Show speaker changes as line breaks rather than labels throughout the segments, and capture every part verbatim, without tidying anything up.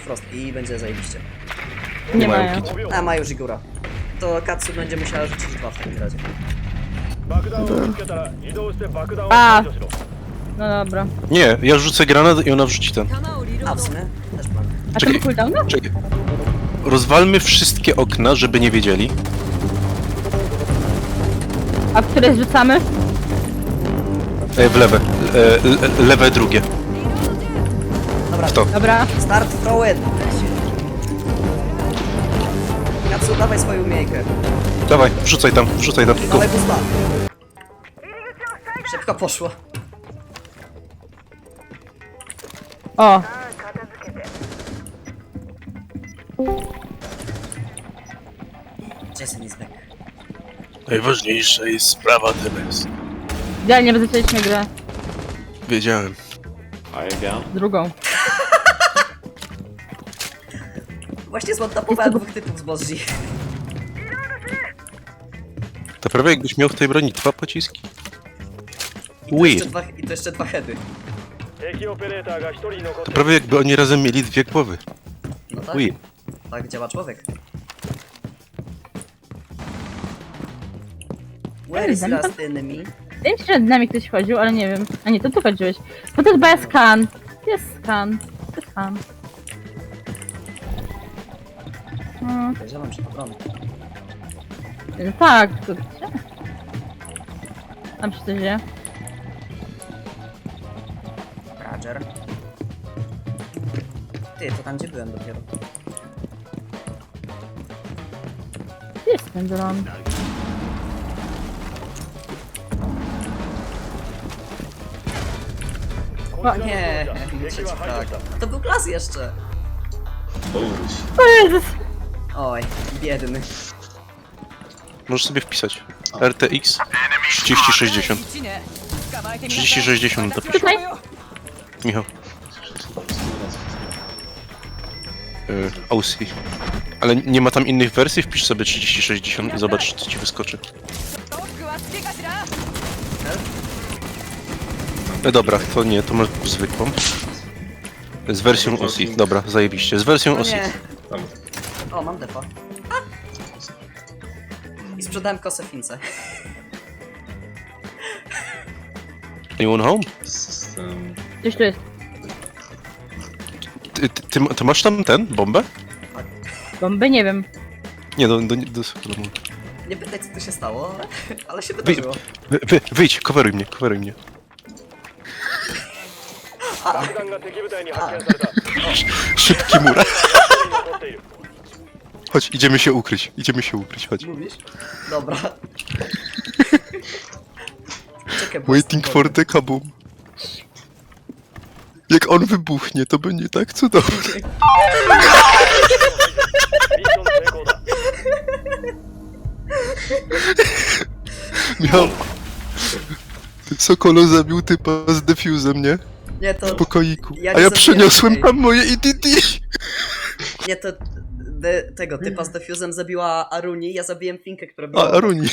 Frost i będzie zajebiście.
Nie,
Nie mają
mają.
kit.
A, ma już Igura. To Katsu będzie musiała rzucić dwa w takim razie.
A! No dobra.
Nie, ja rzucę granat i ona wrzuci ten.
A, w sumie też plan.
A to
Czekaj.
ma cooldowna?
Czekaj. Rozwalmy wszystkie okna, żeby nie wiedzieli.
A w które zrzucamy?
E, w lewe. E, le, lewe drugie.
Dobra,
Kto?
Dobra.
start throw in. Katsu, dawaj swoją umiejkę.
Dawaj, wrzucaj tam, wrzucaj tam. Go.
Dawaj busta. Szybko poszło.
O!
Jason is back.
Najważniejsza jest sprawa teraz.
Idealnie zaczęliśmy grę.
Wiedziałem.
Drugą.
Właśnie zmontapowałem dwóch typów z Bozji.
To prawie jakbyś miał w tej broni dwa pociski.
I
Ui,
dwa, I to jeszcze dwa heady.
to prawie jakby oni razem mieli dwie głowy.
No tak,
Ui.
tak działa człowiek. Where is last enemy?
Wydaje mi się, że nad nami ktoś chodził, ale nie wiem. A nie, to tu chodziłeś. Bo to chyba jest skan. Jest skan. To jest skan. No,
Zielam się po broń.
no tak, to gdzie? Tam się coś dzieje.
Roger. Ty, to tam gdzie byłem dopiero.
Gdzie jest ten dron?
O nie, trzeci frag. To był klas jeszcze.
O Jezus!
Oj, biedny.
Możesz sobie wpisać. R T X trzydzieści sześćdziesiąt. trzydzieści sześćdziesiąt dopisz.
Tutaj?
Michał. Yy, O C. Ale nie ma tam innych wersji? Wpisz sobie trzydzieści sześćdziesiąt i zobacz, co ci wyskoczy. E, dobra, to nie, to masz zwykłą. Z wersją O C. Dobra, zajebiście. Z wersją
No
O C.
nie. O, mam defa. I sprzedałem kosę Fince.
Anyone home?
System.
Gdzieś tu jest.
Ty, ty, ty, ty masz tam ten? Bombę?
Bomby? Nie wiem.
Nie, do, do, do, do
Nie pytaj co tu się stało, ale, ale się
Wy,
wydarzyło.
wy, wy, wyjdź, coveruj mnie, coveruj mnie. Szybki mur. Chodź, idziemy się ukryć, idziemy się ukryć, chodź.
Mówisz? Dobra. Czekaj, bo
Waiting
jestem
for the kaboom. Jak on wybuchnie, to będzie tak cudownie. Miał... Sokolo zabił typa z defuzem, nie?
Nie, to...
W pokoiku.
Ja
A
nie
ja
zabiłem
przeniosłem
tej.
tam moje E D D.
Nie, to... De, tego typa z defuzem zabiła Aruni, ja zabiłem Finkę, która była...
A, Aruni.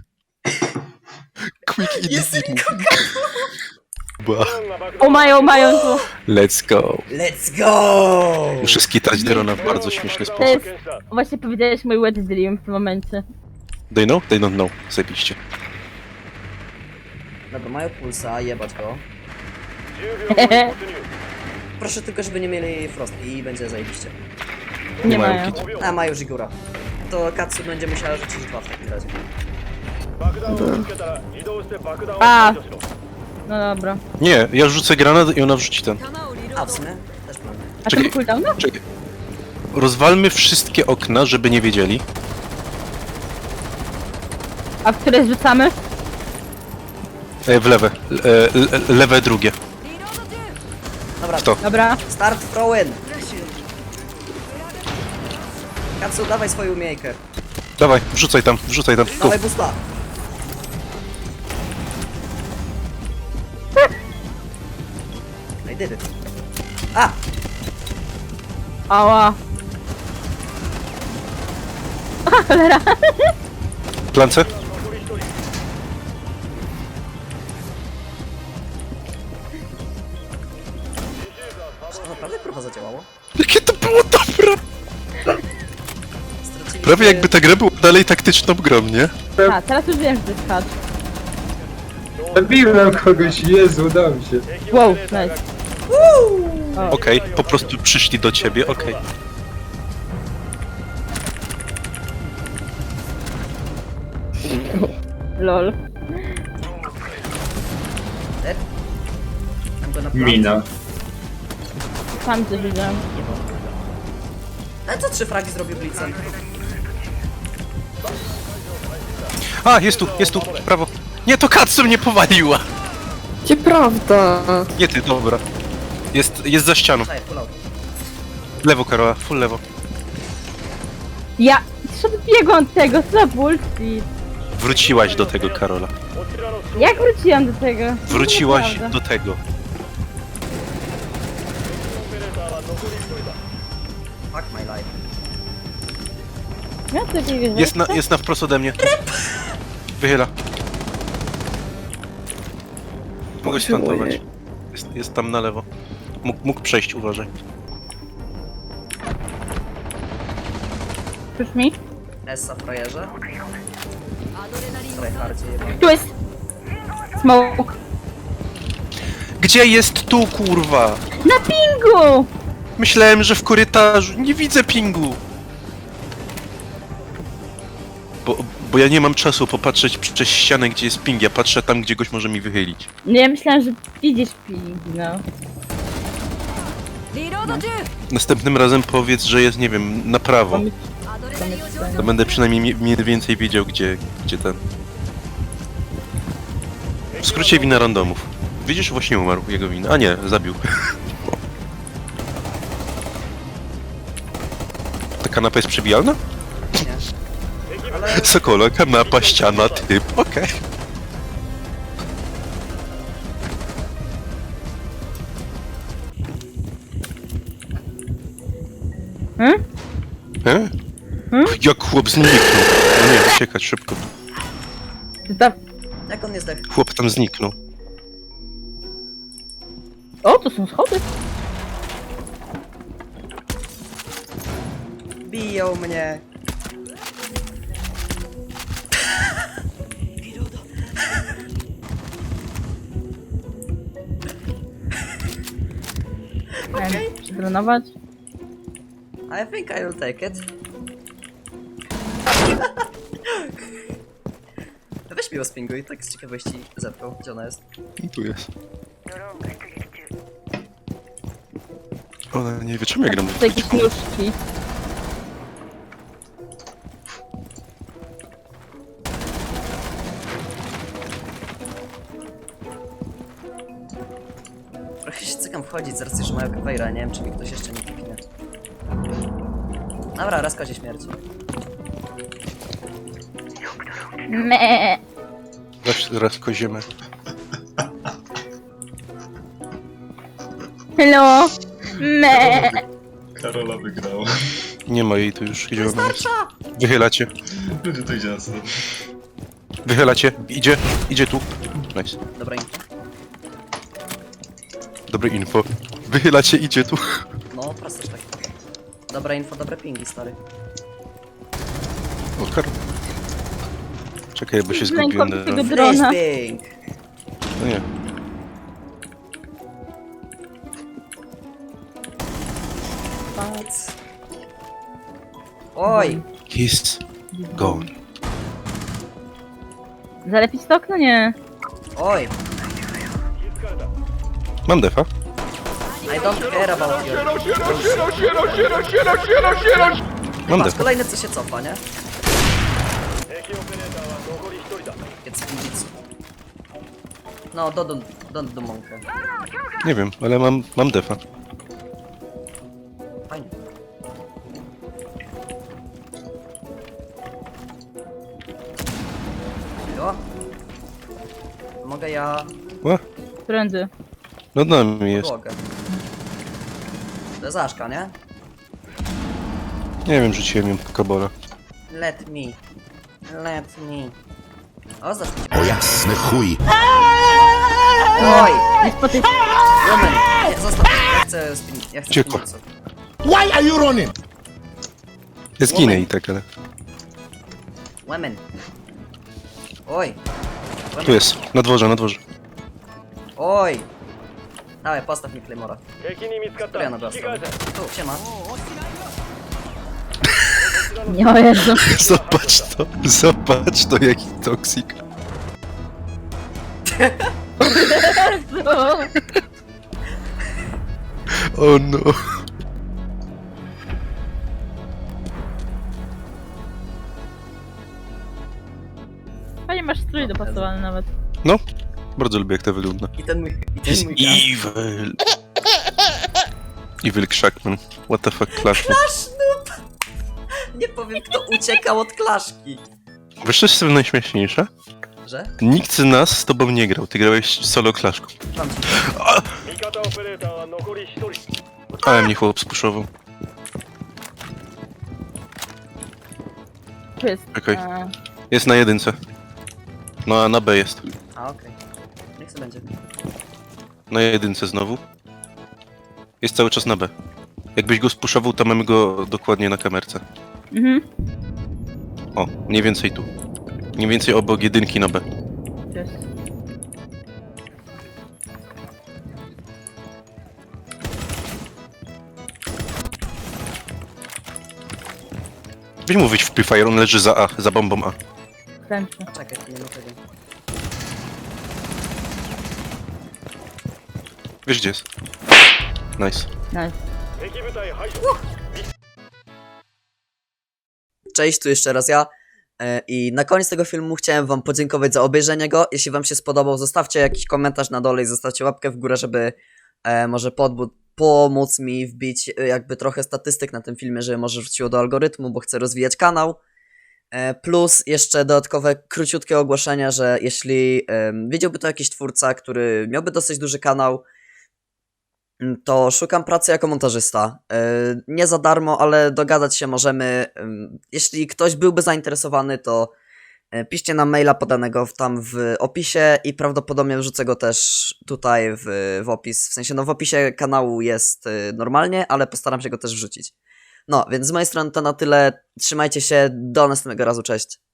Quick E
Jest
D D. Ba.
O mają, mają tu.
Let's go.
Let's go!
Muszę skitać drona w bardzo śmieszny
To
sposób.
jest... Właśnie powiedziałeś mój wet dream w tym momencie.
They know? They don't know. Zajebiście.
Dobra, mają pulsa, jebać go. Proszę tylko, żeby nie mieli Frost i będzie zajebiście.
Nie
mają
mają.
kit.
A, ma już Igura. To Katsu będzie musiała rzucić dwa w takim razie.
A! No dobra.
Nie, ja rzucę granat i ona wrzuci ten.
A, w sumie też plan.
A to
Czekaj.
ma cooldowna?
Czekaj. Rozwalmy wszystkie okna, żeby nie wiedzieli.
A w które zrzucamy?
E, w lewe. E, le, lewe drugie.
Dobra,
Kto?
Dobra.
start throw in. Katsu, dawaj swoją umiejkę.
Dawaj, wrzucaj tam, wrzucaj tam. Go.
Dawaj busta. I did it. A!
Ała. A, cholera.
Plance?
Czy to naprawdę próba zadziałało?
Jakie to było Prawie jakby ta gra była dalej taktyczną grą, nie?
A, teraz już wiem, że to jest hacz.
Zabiłem kogoś, Jezu, udało mi się.
Wow, nice.
Okej, po prostu przyszli do ciebie, okej.
Lol.
Dead. I'm gonna plant.
Mina.
Sam coś widziałem.
Ale co trzy fragi zrobił Blitzem?
A, jest tu, jest tu, prawo. Nie, to Katsu mnie powaliła!
Gdzie prawda?
Nie ty, dobra. Jest, jest za ścianą.
Daj, pull out.
Lewo, Karola, full lewo.
Ja odbiegłam od tego, co za bullshit.
Wróciłaś do tego, Karola.
Jak wróciłam do tego?
Wróciłaś
Nieprawda.
do tego.
Fuck my life.
Ja sobie wierzę.
Jest na, jest na wprost ode mnie. Wychyla. Mogę się plantować. Jest, jest tam na lewo. Mógł, mógł przejść, uważaj.
Już mi?
Essa frajerze. Tryhardzie jebany.
Tu jest! Smoke.
Gdzie jest tu, kurwa?
Na pingu!
Myślałem, że w korytarzu. Nie widzę pingu. Bo, bo ja nie mam czasu popatrzeć przez ścianę, gdzie jest ping. Ja patrzę tam, gdzie goś może mi wychylić.
Nie, ja myślałam, że widzisz ping, no.
Następnym razem powiedz, że jest, nie wiem, na prawo.
Pomyśl-
To będę przynajmniej mi- mniej więcej wiedział, gdzie, gdzie ten. W skrócie wina randomów. Widzisz, właśnie umarł jego wina. A nie, zabił. Ta kanapa jest przebijalna?
Nie. Ale
Sokola, kanapa, ściana, typ, okej.
Hmm?
E?
Hmm?
Jak chłop zniknął. No nie, uciekać szybko.
Ty tam...
jak on nie zdech?
Chłop tam zniknął.
O, to są schody.
Biją mnie.
Okay. Przedrenować.
I think I will take it. Weź mi spinguj, tak z ciekawości zepchnął, gdzie ona jest.
Tu jest. Ona nie wie, czemu ja gram.
To jakieś nóżki.
Trochę się cykam wchodzić z racji, że mają kawejra, nie wiem czy mi ktoś jeszcze nie kliknie. Dobra, raz kozie śmierci.
Me.
Zaś raz koziemy.
Hello. Me.
Karola wygrała.
Nie ma jej tu już, idzie ona jest. Wychylacie.
Będzie to idzie na stronę.
Wychylacie. Idzie, idzie tu. Nice.
Dobra info.
Dobre info. Wychylacie, idzie tu.
No, proste tak. Dobre info, dobre pingi, stary.
O, kar... Czekaj, bo się
Ręką
zgubiłem.
tego
na-
drona.
Ping!
No nie.
Oj!
He's gone.
Zalepić to okno? Nie.
Oj!
Mam defa.
I don't care about you.
Mam
Patrz,
defa.
kolejny co się cofa, nie? It's pizza. No, don't, don't do monkę.
Nie wiem, ale mam, mam defa.
Fajnie. Jo. Mogę ja
Ła,
Prędzej.
no na mnie jest.
podłogę. To jest Aszka, nie?
Nie wiem, rzuciłem ją kabola.
Let me. Let me. O, zacznij.
O jasny chuj!
Oj!
Nie spoty...
Woman! Nie, zostaw. Ja chcę spin... Ja chcę
Ciekło.
spin-
Why are you running?
Ja zginę i tak, ale...
Women. Oj.
Tu jest, na dworze, na dworze.
Oj. Dawaj, postaw mi Claymora. Która ja na drugą stronę? Tu, siema.
Nie, o Jezu.
Zobacz to, zobacz to, jaki toksik. O no.
Fajnie masz strój dopasowany nawet.
No, bardzo lubię, jak to wygląda.
I ten mój... I ten
He's
mój gaz.
evil. Evil Krzakman. What the fuck, Clash.
Clash noob! Nie powiem, kto uciekał od klaszki.
Wiesz, co jest tym najśmieszniejsze?
Że?
Nikt z nas z tobą nie grał, ty grałeś solo Klaszką.
Mam ci.
Ale mnie chłop spuszował.
Tu jest.
Czekaj.
e,
Jest na jedynce. No a na B jest.
A, okej. Niech to będzie.
Na jedynce znowu. Jest cały czas na B. Jakbyś go spuszował, to mamy go dokładnie na kamerce.
Mhm.
O, mniej więcej tu. Mniej więcej obok jedynki na B.
Tu jest.
Weź mu wyjść w Prefire, on leży za A, za bombą A.
Kręcę.
Czekaj, nie ma tego.
Wiesz gdzie jest? Nice.
Nice.
Cześć, tu jeszcze raz ja. E, I na koniec tego filmu chciałem wam podziękować za obejrzenie go. Jeśli wam się spodobał, zostawcie jakiś komentarz na dole i zostawcie łapkę w górę, żeby e, może podbud- pomóc mi wbić e, jakby trochę statystyk na tym filmie, żeby może wróciło do algorytmu, bo chcę rozwijać kanał. E, plus jeszcze dodatkowe króciutkie ogłoszenie, że jeśli e, widziałby to jakiś twórca, który miałby dosyć duży kanał, to szukam pracy jako montażysta. Yy, nie za darmo, ale dogadać się możemy. Yy, jeśli ktoś byłby zainteresowany, to yy, piszcie nam maila podanego w, tam w opisie i prawdopodobnie wrzucę go też tutaj w, w opis. W sensie, no w opisie kanału jest yy, normalnie, ale postaram się go też wrzucić. No, więc z mojej strony to na tyle. Trzymajcie się, do następnego razu, cześć.